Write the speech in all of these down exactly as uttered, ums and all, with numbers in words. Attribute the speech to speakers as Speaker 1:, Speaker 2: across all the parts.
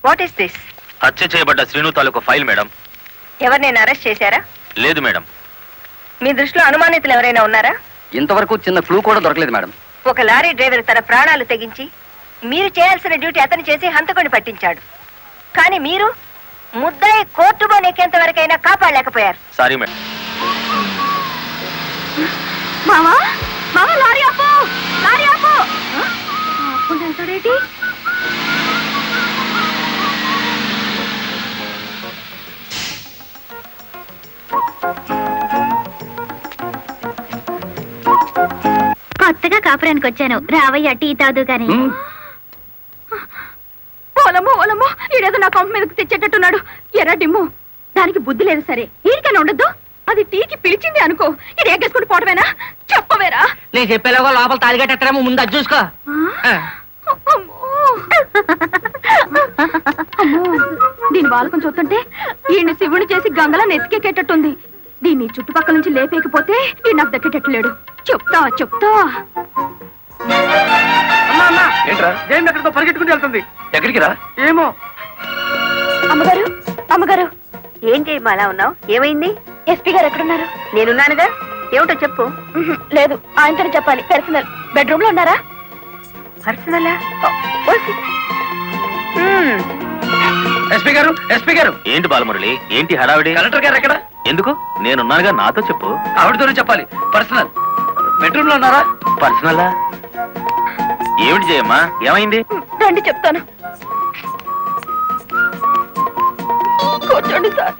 Speaker 1: What is this?
Speaker 2: హత్య చేయబడ్డ శ్రీను తాలూకు ఫైల్ మేడం.
Speaker 1: ఎవరినైనా అరెస్ట్ చేశారా?
Speaker 2: లేదు మేడం.
Speaker 1: మీ దృష్టిలో అనుమానితులు ఎవరైనా ఉన్నారా?
Speaker 3: ఇంతవరకు చిన్న క్లూ కూడా దొరకలేదు మేడం.
Speaker 1: ఒక లారీ డ్రైవర్ తన ప్రాణాలు తెగించి మీరు చేయాల్సిన డ్యూటీ అతను చేసి హంతకుని పట్టించాడు. కానీ మీరు ముద్దాయి కోర్టులో నెక్కేంత వరకైనా కాపాడలేకపోయారు.
Speaker 2: Sorry madam.
Speaker 1: మామా మామా లారీ ఆపు, లారీ ఆపు. ఆపుంటాడేంటి?
Speaker 4: కొత్తగా కాపురానికి వచ్చాను, రావయ్య టీ తాదు గాని.
Speaker 1: ఓలమ్మో ఓలమ్మో, ఈడేదో నా కొంప మీదకి తెచ్చేటట్టున్నాడు. ఎర్ర డిమ్ము, దానికి బుద్ధి లేదు. సరే ఈడికైనా ఉండద్దు, అది టీకి పిలిచింది అనుకో. ఇది ఎగ్గేసుకుని పోవటమేనా? చెప్పవేరా?
Speaker 3: నేను చెప్పేలాగా లోపల తాలిగట్టేమో ముందు అది చూసుకో.
Speaker 1: దీని బాలకం చూస్తుంటే ఈయన శివుని చేసి గంగలా నెత్తికెక్కేటట్టుంది. దీన్ని చుట్టుపక్కల నుంచి లేపేకపోతే ఈ నాకు దక్కేటట్లేడు. చెప్తా చెప్తా.
Speaker 3: ఏంట్రా జైన్ ఎక్కడికో పరిగెట్టుకుని వెళ్తుంది. ఎక్కడికి రా? ఏమో.
Speaker 1: అమ్మగారు అమ్మగారు, ఏం చేయమ్మా అలా ఉన్నావు? ఏమైంది? ఎస్పీ గారు ఎక్కడున్నారు? నేనున్నానుగా. ఏమిటో చెప్పు. లేదు, ఆయనతో చెప్పాలి. పర్సనల్. బెడ్రూమ్ లో ఉన్నారా? పర్సనలా?
Speaker 3: ఎస్పీ గారు, ఎస్పీ గారు.
Speaker 2: ఏంటి బాలమురళి, ఏంటి హడావిడి?
Speaker 3: కలెక్టర్ గారు ఎక్కడ?
Speaker 2: ఎందుకు? నేనున్నానుగా, నాతో చెప్పు.
Speaker 3: ఆవిడతోనే చెప్పాలి. పర్సనల్. బెడ్రూమ్ లో ఉన్నారా?
Speaker 2: పర్సనలా? ఏమిటి చేయమ్మా, ఏమైంది?
Speaker 1: రండి చెప్తాను. కూర్చోండి సార్.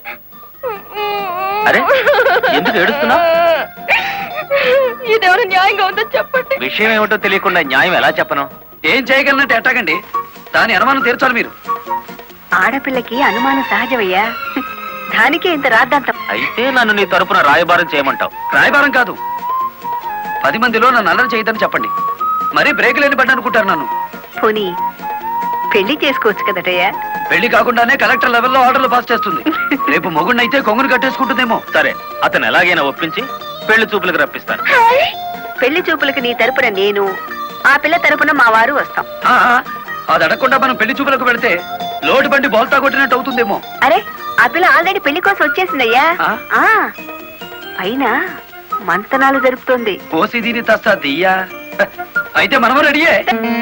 Speaker 2: అరే, ఎందుకు ఏడుస్తున్నావు?
Speaker 1: ఇదేమైనా న్యాయంగా ఉందో చెప్పండి.
Speaker 2: విషయం ఏమిటో తెలియకుండా న్యాయం ఎలా చెప్పను?
Speaker 3: ఏం చేయగలనంటే ఎట్టాగండి, దాని అనుమానం తీర్చాలి మీరు.
Speaker 1: ఆడపిల్లకి అనుమానం సహజమయ్యా, దానికే ఇంత రాద్దాంతం.
Speaker 2: అయితే నన్ను నీ తరపున రాయబారం చేయమంటావు?
Speaker 3: రాయబారం కాదు, పది మందిలో నన్ను అల్లరి చేయదని చెప్పండి. మరీ బ్రేక్ లేని పడ్డ అనుకుంటారు నన్ను.
Speaker 1: పోనీ పెళ్లి చేసుకోవచ్చు కదటయ్యా.
Speaker 3: పెళ్లి కాకుండానే కలెక్టర్ లెవెల్లో ఆర్డర్లు పాస్ చేస్తుంది. రేపు మొగుడినైతే కొంగును కట్టేసుకుంటుందేమో.
Speaker 2: సరే, అతను ఎలాగైనా ఒప్పించి పెళ్లి చూపులకు రప్పిస్తాను.
Speaker 1: పెళ్లి చూపులకు నీ తరపున నేను, ఆ పిల్ల తరపున మా వారు వస్తాం.
Speaker 3: ఆ, అది అడగకుండా మనం పెళ్లి చూపులకు పెడితే లోటు బండి బోల్తా కొట్టినట్టు అవుతుందేమో.
Speaker 1: అరే, ఆ పిల్ల ఆల్రెడీ పెళ్లి కోసం వచ్చేసిందయ్యా.
Speaker 3: ఆ?
Speaker 1: పైన మంతనాలు జరుపుతోంది.
Speaker 3: పోసి దీని తస్తా దియ్యా. అయితే మనము రెడీయే.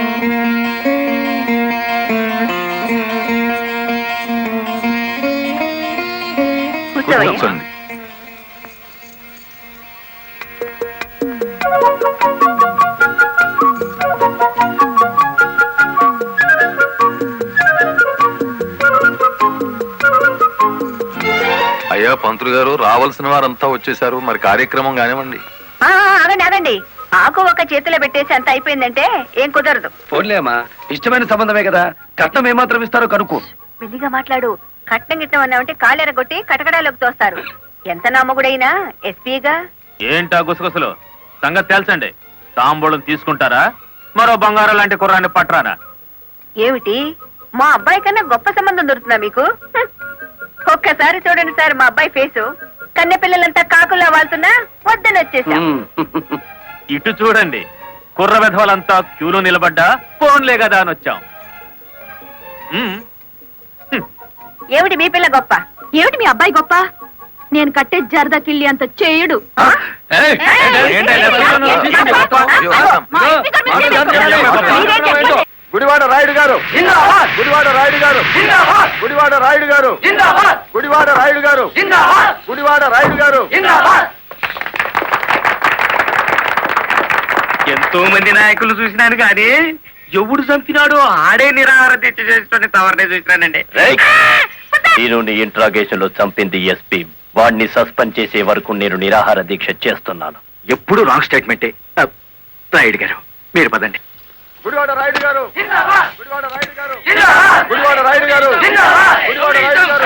Speaker 1: కూర్చోవయ్యా.
Speaker 5: అయ్యా పంతులు గారు, రావాల్సిన వారంతా వచ్చేసారు, మరి కార్యక్రమం కానివ్వండి.
Speaker 1: ఆ, ఆగండి ఆగండి. ఆకు ఒక చేతిలో పెట్టేసి అంత అయిపోయిందంటే ఏం కుదరదు.
Speaker 3: పోన్లేమ్మా, ఇష్టమైన సంబంధమే కదా, కట్నం ఏమాత్రం ఇస్తారో కనుక్కో.
Speaker 1: మెల్లిగా మాట్లాడు. కట్నం గిట్నం అన్నామంటే కాళ్ళెరగొట్టి కటకడాలోకి తోస్తారు. ఎంత నమ్మగుడైనా ఎస్పీగా.
Speaker 2: ఏంటా గుసగుసలు? సంగతి తెలుసండి. తాంబూలం తీసుకుంటారా, మరో బంగారం లాంటి కుర్రాన్ని పట్టరానా?
Speaker 1: ఏమిటి, మా అబ్బాయి కన్నా గొప్ప సంబంధం దొరుకుతుందా మీకు? హ్. ఒక్కసారి చూడండి సార్ మా అబ్బాయి ఫేసు. కన్నె పిల్లలంతా కాకులా వాళ్తున్నా వద్దని వచ్చేసాం.
Speaker 2: ఇటు చూడండి, కుర్ర విధవలంతా క్యూలో నిలబడ్డా ఫోన్లే కదా అని వచ్చాం. ఉమ్.
Speaker 1: ఏమిటి మీ పిల్ల గొప్ప? ఏమిటి మీ అబ్బాయి గొప్ప? నేను కట్టే జరదా కిళ్ళి అంత చేయడు.
Speaker 5: గుడివాడ రాయుడు గారు, గుడివాడ రాయుడు గారు, గుడివాడ రాయుడు గారు, గుడివాడ రాయుడు గారు, గుడివాడ రాయుడు గారు.
Speaker 2: ఎంతో మంది నాయకులు చూసినాను కానీ ఎవడు చంపినాడో ఆడే నిరాహార దీక్ష చేసుకుని తవరనే చూసినానండి.
Speaker 6: నేను నీ ఇంట్రాగేషన్ లో చంపింది ఎస్పీ. వాడిని సస్పెండ్ చేసే వరకు నేను నిరాహార దీక్ష చేస్తున్నాను.
Speaker 3: ఎప్పుడు రాంగ్ స్టేట్మెంటే. రాయుడు గారు మీరు పదండి.
Speaker 5: గుడివాడ రాయుడు గారు, గుడివాడ రాయుడు గారు, గుడివాడ రాయుడు గారు, గుడివాడ రాయుడు గారు.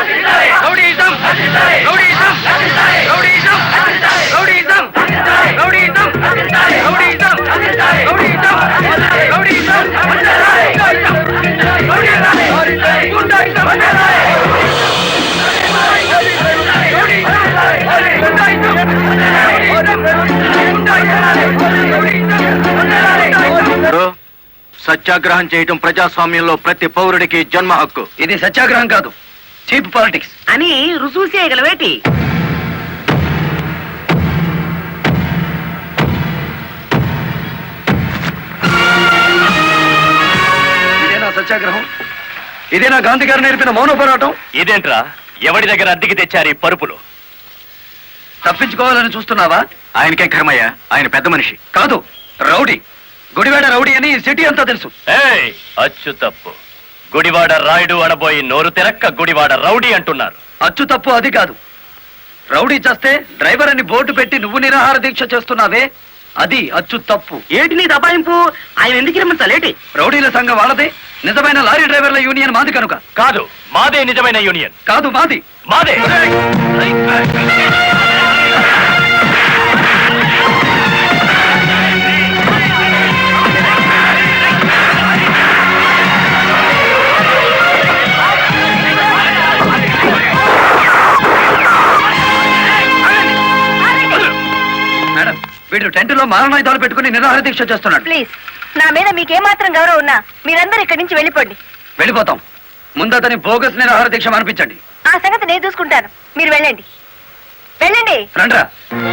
Speaker 5: సత్యాగ్రహం చేయటం ప్రజాస్వామ్యంలో ప్రతి పౌరుడికి జన్మ హక్కు.
Speaker 3: ఇది సత్యాగ్రహం కాదు, చీప్ పాలిటిక్స్.
Speaker 7: అని రుజువు చేయగలవేటి?
Speaker 3: ఇదేనా సత్యాగ్రహం? ఇదేనా గాంధీ గారు నేర్పిన మౌన పోరాటం?
Speaker 6: ఇదేంట్రా ఎవడి దగ్గర అద్దెకి తెచ్చారు ఈ పరుపులు?
Speaker 3: తప్పించుకోవాలని చూస్తున్నావా?
Speaker 5: ఆయనకే కర్మయ్య, ఆయన పెద్ద మనిషి.
Speaker 3: కాదు, రౌడీ. గుడివాడ రౌడీ అని ఈ సిటీ అంతా తెలుసు.
Speaker 6: ఏయ్ అచ్చు తప్పు. గుడివాడ రాయుడు అనబోయి నోరు తెరక్క గుడివాడ రౌడీ అంటున్నారు.
Speaker 3: అచ్చు తప్పు అది కాదు. రౌడీ చేస్తే డ్రైవర్ అని బోర్డు పెట్టి నువ్వు నిరాహార దీక్ష చేస్తున్నావే, అది అచ్చు తప్పు.
Speaker 7: ఏటి నీ దబాయింపు? ఆయన ఎందుకు రమ్మంటాలేటి?
Speaker 3: రౌడీల సంఘం వాళ్ళదే, నిజమైన లారీ డ్రైవర్ల యూనియన్ మాది కనుక.
Speaker 6: కాదు, మాదే నిజమైన యూనియన్.
Speaker 3: కాదు, మాది.
Speaker 6: మాదే.
Speaker 3: మేడం, వీడు టెంట్ లో మారణాయుధాలు పెట్టుకుని నిరాహార దీక్ష చేస్తున్నాడు.
Speaker 1: ప్లీజ్, నా మీద మీకేమాత్రం గౌరవం ఉన్నా మీరందరూ ఇక్కడి నుంచి వెళ్ళిపోండి.
Speaker 3: వెళ్ళిపోతాం. ముందతని బోగస్ నిరాహార దీక్ష అనిపించండి.
Speaker 1: ఆ సంగతి నేను చూసుకుంటాను, మీరు వెళ్ళండి. వెళ్ళండి.
Speaker 3: రండ్రా.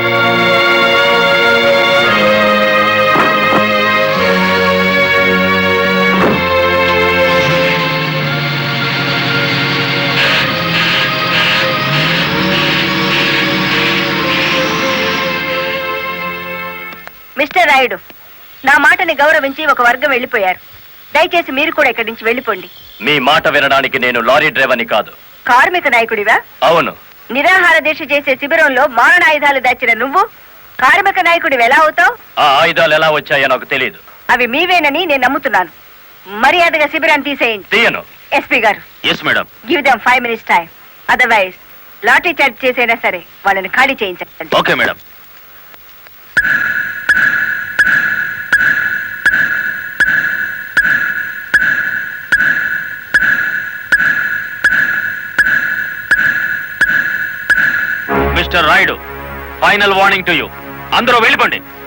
Speaker 1: మిస్టర్ రాయుడు, నా మాటని గౌరవించి ఒక వర్గం వెళ్ళిపోయారు. దయచేసి మీరు కూడా ఇక్కడి నుంచి వెళ్ళిపోండి.
Speaker 6: మీ మాట వినడానికి నేను లారీ డ్రైవర్ని కాదు.
Speaker 1: కార్మిక నాయకుడివా?
Speaker 6: అవును.
Speaker 1: నిరాహార దీక్ష చేసే శిబిరంలో మారణాయుధాలు దాచిన నువ్వు కార్మిక నాయకుడివి ఎలా అవుతావు?
Speaker 6: ఆ ఆయుధాలు ఎలా వచ్చాయో నాకు తెలియదు.
Speaker 1: అవి మీవేనని నేను నమ్ముతున్నాను. మర్యాదగా శిబిరాన్ని తీసేయండి.
Speaker 6: తీయను.
Speaker 1: ఎస్పీ గారు,
Speaker 6: yes madam.
Speaker 1: Give them five minutes time, otherwise lathi charge చేసైనా సరే వాళ్ళని ఖాళీ చేయించండి.
Speaker 6: Okay madam. Mister Rayudu, final warning to you. అందరూ వెళ్ళిపోండి.